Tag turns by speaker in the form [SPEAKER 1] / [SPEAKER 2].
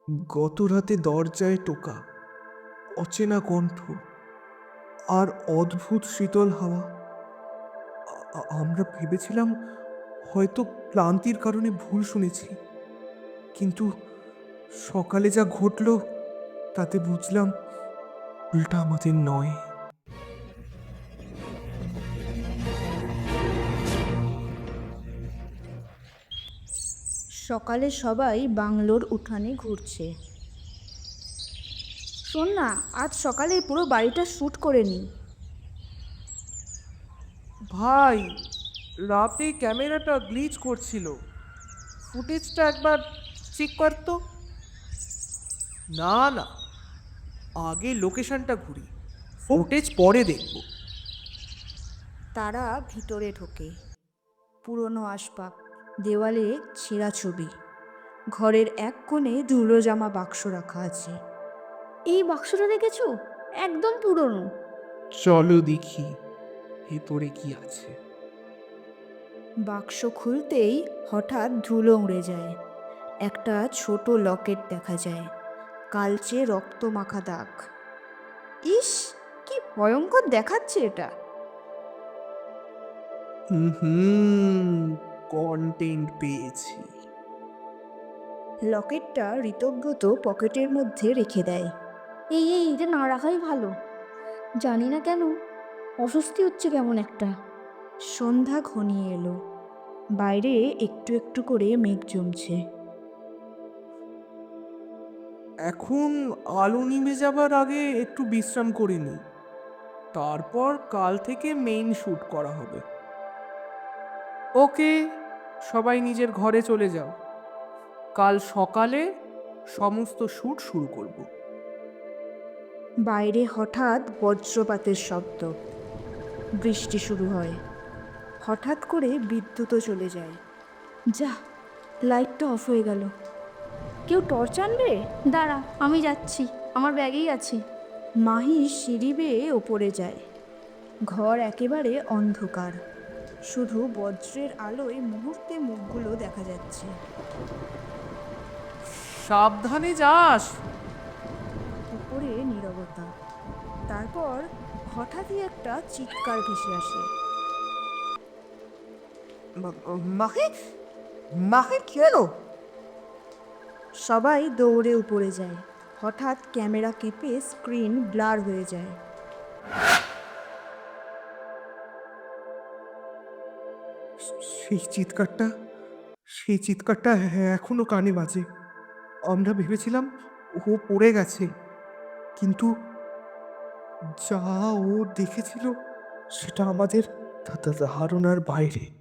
[SPEAKER 1] গত রাতে দরজায় টোকা, অচেনা কণ্ঠ আর অদ্ভুত শীতল হাওয়া। আমরা ভেবেছিলাম হয়তো ক্লান্তির কারণে ভুল শুনেছি, কিন্তু সকালে যা ঘটল তাতে বুঝলাম ভুলটা আমাদের নয়।
[SPEAKER 2] সকালে সবাই বাংলোর উঠানে ঘুরছে। শোন না, আজ সকালে পুরো বাড়িটা শ্যুট করে নি।
[SPEAKER 1] ভাই, রাতে ক্যামেরাটা গ্লিচ করছিল, ফুটেজটা একবার চেক করতো। না না, আগে লোকেশনটা ঘুরি, ফুটেজ পরে দেখব।
[SPEAKER 2] তারা ভিতরে ঢোকে। পুরনো আসবাব, দেওয়ালে ছেঁড়া ছবি, ঘরের এক কোণে ধুলো জামা বাক্স রাখা আছে। এই বাক্সটা দেখেছো? একদম পুরনো।
[SPEAKER 1] চলো দেখি ভেতরে কি আছে।
[SPEAKER 2] বাক্স খুলতেই হঠাৎ ধুলো উড়ে যায়। একটা ছোট লকেট দেখা যায়, কালচে রক্ত মাখা দাগ। ইস, কি ভয়ঙ্কর দেখাচ্ছে এটা।
[SPEAKER 1] হুম, কন্টেন্ট পেয়েছি।
[SPEAKER 2] লকেটটা ঋতব্রত পকেটের মধ্যে রেখে দেয়। এই এটা না রাখাই ভালো। জানি না কেন অস্বস্তি হচ্ছে কেমন একটা। সন্ধ্যা ঘনিয়ে এলো। বাইরে একটু একটু করে মেঘ জমছে।
[SPEAKER 1] এখন আলো নিভে যাবার আগে একটু বিশ্রাম করে নিই, তারপর কাল থেকে মেইন শ্যুট করা হবে। ওকে, সবাই নিজের ঘরে চলে যাও, কাল সকালে সমস্ত শ্যুট শুরু করব।
[SPEAKER 2] বাইরে হঠাৎ বজ্রপাতের শব্দ। বৃষ্টি শুরু হয়। হঠাৎ করে বিদ্যুৎও চলে যায়। যা, লাইটটা অফ হয়ে গেল। কেউ টর্চ আনবে? দাঁড়া, আমি যাচ্ছি, আমার ব্যাগেই আছে। মাহি সিঁড়ি বেয়ে ওপরে যায়। ঘর একেবারে অন্ধকার, শুধু বজ্রের আলোয় মুহূর্তে মুখগুলো দেখা যাচ্ছে।
[SPEAKER 1] সাবধানে যাস।
[SPEAKER 2] উপরে নীরবতা। তারপর হঠাৎই একটা চিৎকার ভেসে আসে।
[SPEAKER 1] মাহে, মাহে কি হলো?
[SPEAKER 2] সবাই দৌড়ে উপরে যায়। হঠাৎ ক্যামেরা কেঁপে স্ক্রিন ব্লার হয়ে যায়।
[SPEAKER 1] সেই চিৎকারটা, সেই চিৎকারটা এখনো কানে বাজে। আমরা ভেবেছিলাম ও পড়ে গেছে, কিন্তু যা ও দেখেছিল সেটা আমাদের ধারণার বাইরে।